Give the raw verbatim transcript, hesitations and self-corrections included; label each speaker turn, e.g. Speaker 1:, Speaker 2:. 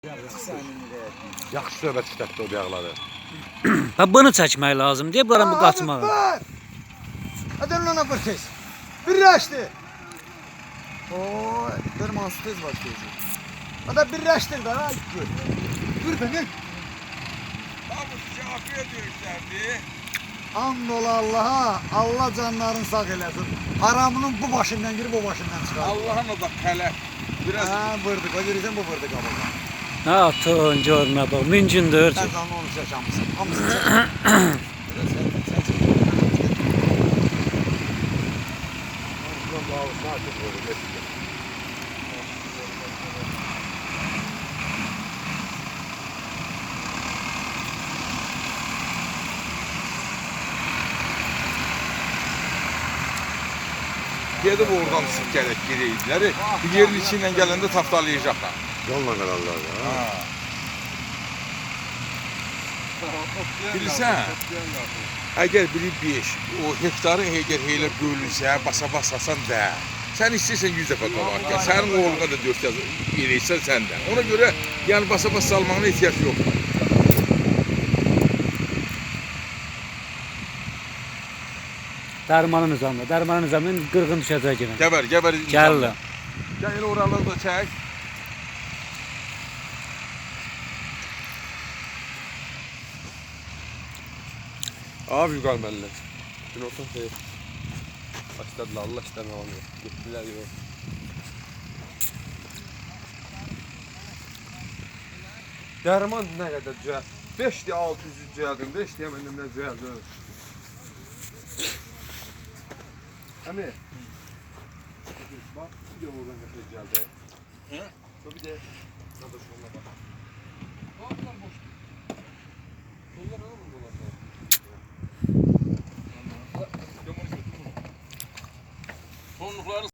Speaker 1: Yaxşı söhbət işlətdi o bəyaqları.
Speaker 2: Ha bunu çəkmək lazım deyə bunların bu qaçmağı.
Speaker 3: Hadi ona bir tez. Birləşdi. Oy, bir mas tez başlayacaq. Hadi birləşdir də, gör. Dur beni.
Speaker 1: Abi şafiyə döyüşlərdi.
Speaker 3: And ola Allah'a, Allah canlarını sağ eləsin. Haramının bu başından girib o başından çıxar.
Speaker 1: Allah'ın o da tələf. Biraz
Speaker 3: Ha, vırdık, o görürsən bu vırdık ama.
Speaker 2: Ha atın görmə bax, mümkündür.
Speaker 3: Sen zanlı onu çəkəmsin. Hamısını çək. Biraz sen, sen çək.
Speaker 1: Gedib oradan sık gələk girəydiləri. Bu yerin içindən gələndə tapdalayacaqlar.
Speaker 4: Yolla qararlar da.
Speaker 1: Bilirsən, əgər biri beş, o hektarı əgər elə bölünsə, basa-basasan da, sən istəyirsən yüz dəfə qabaq gəl. Sənin oğluna da dörd yaz eləyirsən sən də. Ona görə yəni basa-bas salmağına ehtiyac yoxdur.
Speaker 2: Dərmanın nizamı, dərmanın nizamı qırğın düşəcək yenə.
Speaker 1: Gəbər, gəbər.
Speaker 2: Gəl.
Speaker 1: Gəl elə oraları da çək.
Speaker 4: Abi yuqar mənlər. Gün olsun xeyir. Başladılar, Allah işlərini alamıyor. Getdilər yox. Dərman nə qədər cəhət? beş deyə altı yüz cəhədim, beş deyə məndən nə cəhədim? Əmi. Bax, bir də oradan qəşək gəldi. Hə? Bir də qardaş onunla bax. Bax, bunlar boşdur. Onlar nə vurdular?
Speaker 1: Sonluqları